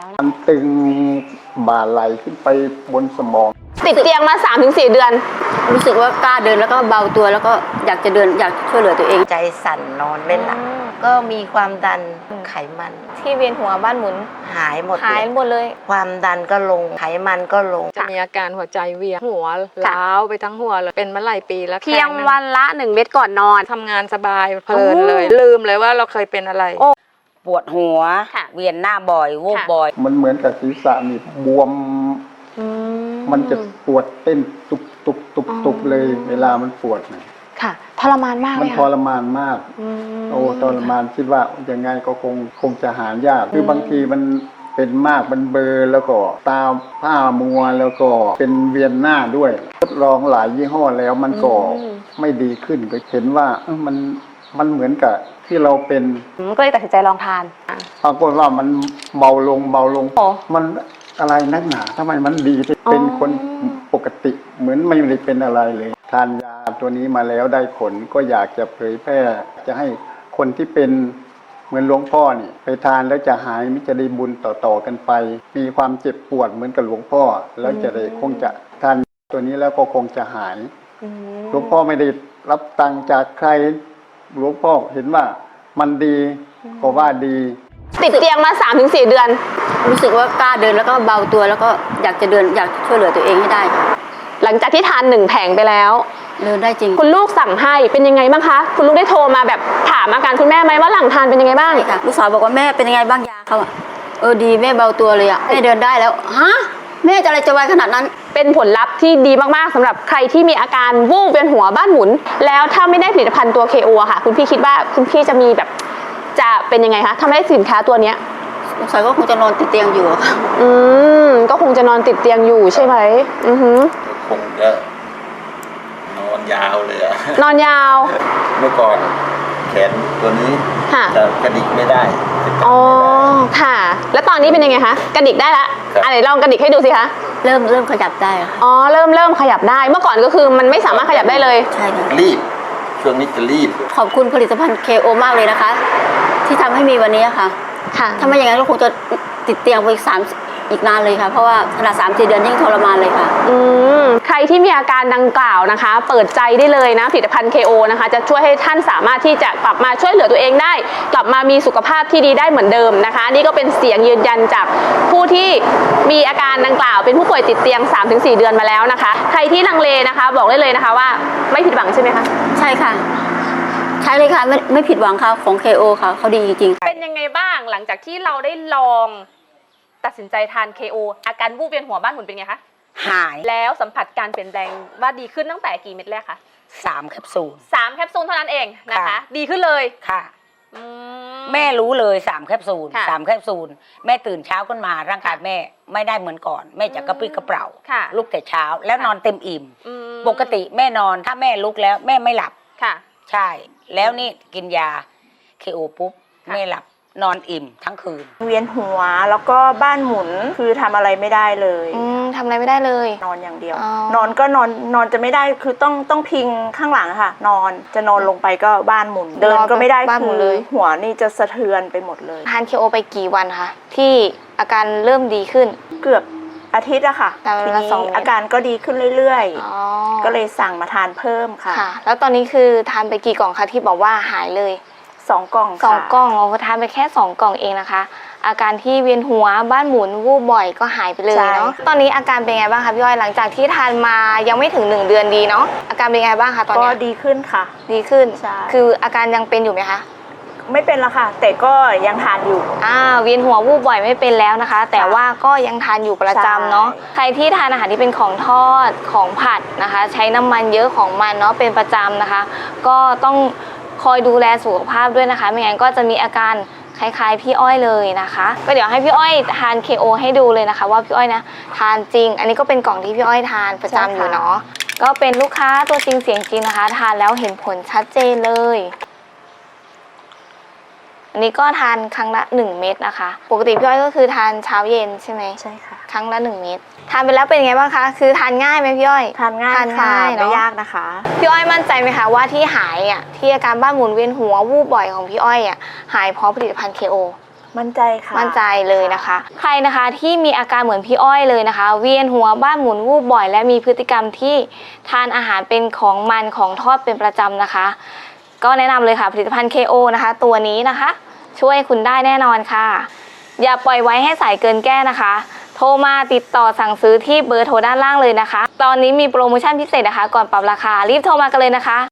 นะมันตึงบ่าไหลขึ้นไปบนสมองติดเตียงมา 3-4 เดือนรู้สึกว่ากล้าเดินแล้วก็เบาตัวแล้วก็อยากจะเดินอยากช่วยเหลือตัวเองใจสั่นนอนไม่หลับก็มีความดันไขมันที่เวียนหัวบ้านหมุนหายหมดเลยความดันก็ลงไขมันก็ลงจะมีอาการหัวใจเวียนหัวล้าวไปทั้งหัวเลยเป็นมาหลายปีแล้วเพียงวันละ1 เม็ดก่อนนอนทำงานสบายเพลินเลยลืมเลยว่าเราเคยเป็นอะไรปวดหัวเวียนหน้าบ่อยวูบบ่อยมันเหมือนกับศีรษะนี่บวมมันจะปวดเต้นตุบเลยเวลามันปวดนะค่ะทรมานมากมันทรมานมากโอ้ทรมานคิดว่ายังไงก็คงจะหายากคือบางทีมันเป็นมากมันเบลอแล้วก็ตาผ้ามัวแล้วก็เป็นเวียนหน้าด้วยทดลองหลายยี่ห้อแล้วมันก็ไม่ดีขึ้นก็เห็นว่ามันเหมือนกับที่เราเป็นก็เลยตัดสินใจลองทานปรากฏว่ามันเบาลงมันอะไรนักหนาทำไมมันดีเป็นคนปกติเหมือนไม่ได้เป็นอะไรเลยทานยาตัวนี้มาแล้วได้ผลก็อยากจะเผยแพร่จะให้คนที่เป็นเหมือนหลวงพ่อนี่ไปทานแล้วจะหายมิจะได้บุญต่อกันไปมีความเจ็บปวดเหมือนกับหลวงพ่อแล้วจะได้คงจะทานตัวนี้แล้วก็คงจะหายหลวงพ่อไม่ได้รับตังค์จากใครหลวงพ่อเห็นว่ามันดีก็ว่าดีติดเตียงมา 3-4 เดือนรู้สึกว่ากล้าเดินแล้วก็เบาตัวแล้วก็อยากจะเดินอยากช่วยเหลือตัวเองให้ได้ค่ะหลังจากที่ทาน1 แผงไปแล้วเดินได้จริงคุณลูกสั่งให้เป็นยังไงบ้างคะคุณลูกได้โทรมาแบบถามอาการคุณแม่ไหมว่าหลังทานเป็นยังไงบ้างค่ะลูกสาวบอกว่าแม่เป็นยังไงบ้างยาเขาดีแม่เบาตัวเลยแม่เดินได้แล้วฮะแม่จะอะไรจะไวขนาดนั้นเป็นผลลัพธ์ที่ดีมากๆสำหรับใครที่มีอาการวูบเวียนหัวบ้านหมุนแล้วถ้าไม่ได้ผลิตภัณฑ์ตัว KO อะค่ะคุณพี่คิดว่าคุณพี่จะมีแบบจะเป็นยังไงคะถ้าไม่ได้สินค้าตัวเนี้ยสงสัยก็คงจะนอนติดเตียงอยู่ค่ะก็คงจะนอนติดเตียงอยู่ใช่ไหมคงจะนอนยาวเลยอะนอนยาวเมื่อก่อนแขนตัวนี้จะกระดิกไม่ได้อ๋อค่ะแล้วตอนนี้เป็นยังไงคะกระดิกได้ละอะไรลองกระดิกให้ดูสิคะเริ่มขยับได้ค่ะอ๋อเริ่มขยับได้เมื่อก่อนก็คือมันไม่สามารถขยับได้เลยใช่ค่ะรีบช่วงนี้จะรีบขอบคุณผลิตภัณฑ์ KO มากเลยนะคะที่ทำให้มีวันนี้ค่ะถ้าไม่อย่างนั้นก็คงจะติดเตียงไปอีกนานเลยค่ะเพราะว่าขนาด3-4 เดือนยิ่งทรมานเลยค่ะใครที่มีอาการดังกล่าวนะคะเปิดใจได้เลยนะผลิตภัณฑ์ KO นะคะจะช่วยให้ท่านสามารถที่จะกลับมาช่วยเหลือตัวเองได้กลับมามีสุขภาพที่ดีได้เหมือนเดิมนะคะนี่ก็เป็นเสียงยืนยันจากผู้ที่มีอาการดังกล่าวเป็นผู้ป่วยติดเตียง 3-4 เดือนมาแล้วนะคะใครที่ลังเลนะคะบอกได้เลยนะคะว่าไม่ผิดหวังใช่ไหมคะใช่ค่ะใช่เลยค่ะไม่ผิดหวังค่ะของ KO ค่ะเขาดีจริงๆเป็นยังไงบ้างหลังจากที่เราได้ลองตัดสินใจทาน KO อาการวูบเวียนหัวบ้านหมุนเป็นไงคะหายแล้วสัมผัสการเปลี่ยนแปลงว่าดีขึ้นตั้งแต่กี่เม็ดแรกคะ 3 แคปซูล 3 แคปซูลเท่านั้นเองนะคะดีขึ้นเลยค่ะแม่รู้เลย3 แคปซูล3 แคปซูลแม่ตื่นเช้าขึ้นมาร่างกายแม่ไม่ได้เหมือนก่อนแม่จะกระปรี้กระเปร่าลุกแต่เช้าแล้วนอนเต็มอิ่มปกติแม่นอนถ้าแม่ลุกแล้วแม่ไม่หลับค่ะใช่แล้วนี่กินยา KO ปุ๊บแม่หลับนอนอิ่มทั้งคืนเวียนหัวแล้วก็บ้านหมุนคือทำอะไรไม่ได้เลยทำอะไรไม่ได้เลยนอนอย่างเดียวนอนก็นอนจะไม่ได้คือต้องพิงข้างหลังค่ะนอนจะนอนลงไปก็บ้านหมุนเดินก็ไม่ได้คือหัวนี่จะสะเทือนไปหมดเลยทาน KO ไปกี่วันคะที่อาการเริ่มดีขึ้นเกือบอาทิตย์อะค่ะทีนี้อาการก็ดีขึ้นเรื่อยๆก็เลยสั่งมาทานเพิ่มค่ะแล้วตอนนี้คือทานไปกี่กล่องคะที่บอกว่าหายเลย 2 กล่องค่ะ2 กล่องเราทานไปแค่2 กล่องเองนะคะอาการที่เวียนหัวบ้านหมุนวูบบ่อยก็หายไปเลยเนาะตอนนี้อาการเป็นไงบ้างคะพี่อ้อยหลังจากที่ทานมายังไม่ถึง1 เดือนดีเนาะอาการเป็นไงบ้างคะตอนนี้ก็ดีขึ้นค่ะดีขึ้นคืออาการยังเป็นอยู่ไหมคะไม่เป็นละค่ะแต่ก็ยังทานอยู่เวียนหัววูบบ่อยไม่เป็นแล้วนะคะแต่ว่าก็ยังทานอยู่ประจำเนาะใครที่ทานอาหารที่เป็นของทอดของผัดนะคะใช้น้ำมันเยอะของมันเนาะเป็นประจำนะคะก็ต้องคอยดูแลสุขภาพด้วยนะคะไม่งั้นก็จะมีอาการคล้ายๆพี่อ้อยเลยนะคะก็เดี๋ยวให้พี่อ้อยทาน KO ให้ดูเลยนะคะว่าพี่อ้อยนะทานจริงอันนี้ก็เป็นกล่องที่พี่อ้อยทานประจำอยู่เนาะก็เป็นลูกค้าตัวจริงเสียงจริงนะคะทานแล้วเห็นผลชัดเจนเลยอันนี้ก็ทานครั้งละ1 เม็ดนะคะปกติพี่อ้อยก็คือทานเช้าเย็นใช่ไหมใช่ค่ะครั้งละ1 เม็ดทานไปแล้วเป็นไงบ้างคะคือทานง่ายไหมพี่อ้อยทานง่ายไม่ยากนะคะพี่อ้อยมั่นใจไหมคะว่าที่หายที่อาการบ้านหมุนเวียนหัววูบบ่อยของพี่อ้อยหายเพราะผลิตภัณฑ์ KO มั่นใจค่ะมั่นใจเลยนะคะ ใครนะคะที่มีอาการเหมือนพี่อ้อยเลยนะคะ เวียนหัวบ้านหมุนวูบบ่อย และมีพฤติกรรมที่ทานอาหารเป็นของมันของทอดเป็นประจำนะคะ ก็แนะนำเลยค่ะผลิตภัณฑ์ KO นะคะ ตัวนี้นะคะ ช่วยคุณได้แน่นอนค่ะ อย่าปล่อยไว้ให้สายเกินแก้นะคะ โทรมาติดต่อสั่งซื้อที่เบอร์โทรด้านล่างเลยนะคะ ตอนนี้มีโปรโมชั่นพิเศษนะคะ ก่อนปรับราคารีบโทรมากันเลยนะคะ